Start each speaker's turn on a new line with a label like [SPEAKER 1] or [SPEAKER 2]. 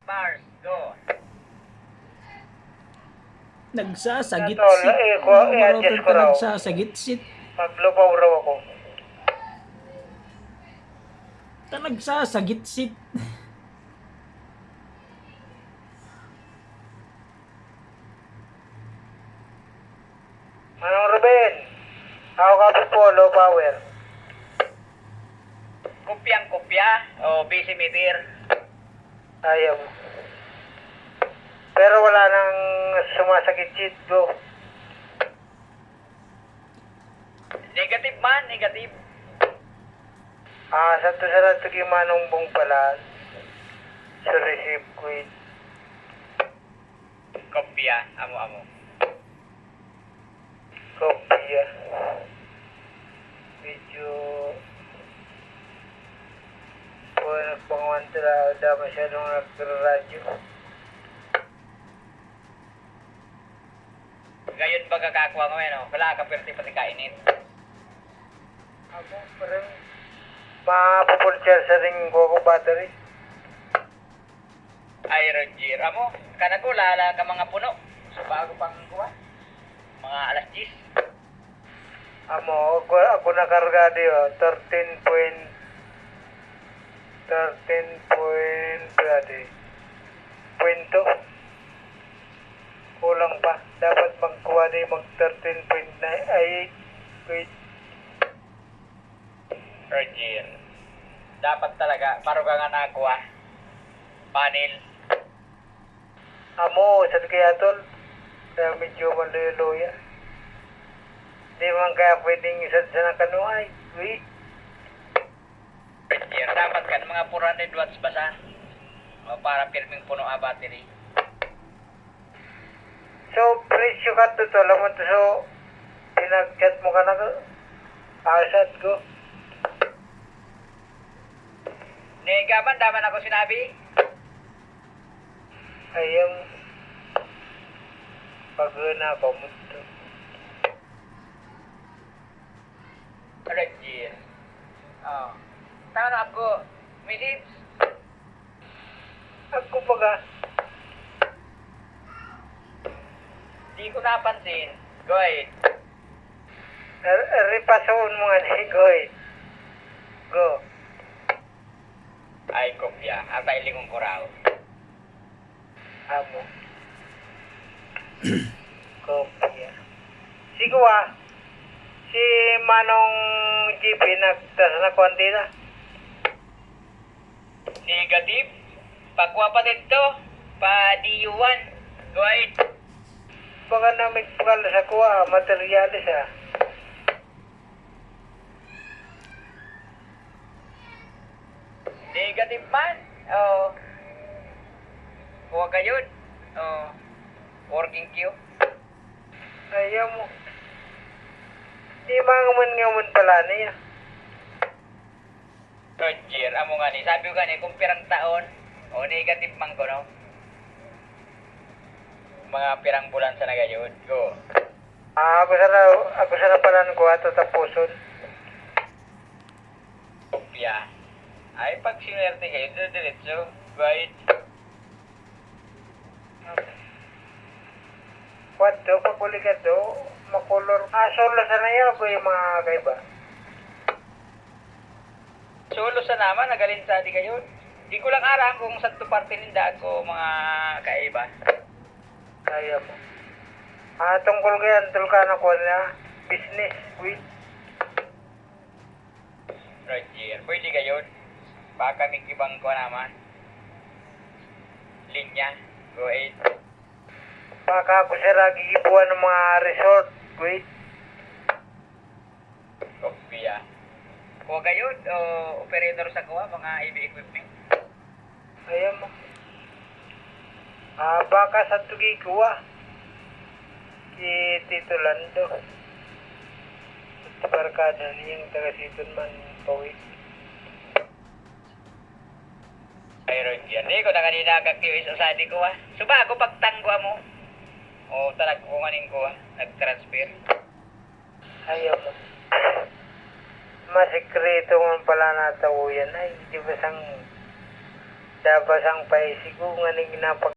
[SPEAKER 1] Mars, go.
[SPEAKER 2] Nagsasagit-sit.
[SPEAKER 3] i-adjust ko raw.
[SPEAKER 2] Nagsasagit-sit.
[SPEAKER 3] Maglupaw raw ako.
[SPEAKER 2] Nagsasagit-sit.
[SPEAKER 3] Manong Ruben, ako ka po, low power.
[SPEAKER 1] Kopyang-kopya o busy meter.
[SPEAKER 3] Ayaw. Pero wala nang sumasakit cheat go.
[SPEAKER 1] Negative man, negative.
[SPEAKER 3] Sa to sa rato kay Manong Bong pala. Sa receive quit.
[SPEAKER 1] Kopya, amo-amo.
[SPEAKER 3] Kopya. Medyo po nagpangawan tala masyadong nagradyo.
[SPEAKER 1] Gayon ba kakakuha mo yan, wala ka perti pati kainit.
[SPEAKER 3] Ako parang mapupulchar sa ring ko battery.
[SPEAKER 1] Ay, Roger, amo, kanako lala ka mga puno. So, bago pang kuha. Mga alas 10.
[SPEAKER 3] Ako nakarga diyo, 13.2. Kulang pa. Dapat magkuha din mag 13.9. Ay, wait.
[SPEAKER 1] Roger. Dapat talaga, paro ka nga nakuha. Panel.
[SPEAKER 3] Sa kaya tol. Kaya medyo maluya-luya. Di man kaya pwedeng isa sa nakanuay. Wait.
[SPEAKER 1] Roger, dapat ka ng mga 400 watts basa. O para pirming puno ang battery.
[SPEAKER 3] So, presyo ka to tol. Alam mo to, so, pinag-chat mo ka na ko. Asad ko.
[SPEAKER 1] Negaman, daman ako sinabi.
[SPEAKER 3] Ayam. Pag-una ko mo to.
[SPEAKER 1] Roger. Oh. Tama ako. Minutes.
[SPEAKER 3] Ako pa ka.
[SPEAKER 1] Di ko napansin. Go ahead.
[SPEAKER 3] Ripasoon mo nga ni Goy. Go.
[SPEAKER 1] Ay, kopya. Atay lingong kuraw.
[SPEAKER 3] Amo. Kopya. Sigo si Manong GP nagtasa na kwanti na.
[SPEAKER 1] Negative. Pakuha pa dito. Pa DU1. Go ahead.
[SPEAKER 3] Baka namin pagkala sa kuha, materialis
[SPEAKER 1] Negative man. Oh. Kuha ka yun. Oh. Working queue.
[SPEAKER 3] Ayaw mo. Di mangaman pala niya.
[SPEAKER 1] Roger, amo nga ni. Sabi ko nga ni, kung pirang taon, o negative man ko, no? Mga pirang bulan sa nagayod. Go.
[SPEAKER 3] Ako sana pala ng kuha, tatapuson.
[SPEAKER 1] Kopya. Ay, pag sinuwerte kayo, diretso. Go ahead.
[SPEAKER 3] Kwanto, pagkuli ka do, makulor. Solo sana yan ako yung mga kaiba.
[SPEAKER 1] Solo sa naman, nagalin sa di kayo. Di ko lang aram kung sa parte ninda ko mga kaiba.
[SPEAKER 3] Kaya mo. Tungkol kaya, tulkan ako na business with.
[SPEAKER 1] Roger, pwede kayo. Baka may ibang ko naman. Linya. Go ahead.
[SPEAKER 3] Baka ako siya gigibuan ng mga resort. Wait.
[SPEAKER 1] Kopya. Kuha kayo, operator sa kuha, mga AV equipment.
[SPEAKER 3] Ayaw mo. Baka sa tugi kuha. Si Tito Lando. At barkada niyang taga-siton man pawit.
[SPEAKER 1] Ay, Roger. Di ko na kanina kag-QS sa di ko, Suba ako pagtanggo mo. O talag ko nganin ko, nag-transfer.
[SPEAKER 3] Ayaw mo. Masikreto man pala natawo yan. Ay, di ba sang Tapos ang paisigo nga ning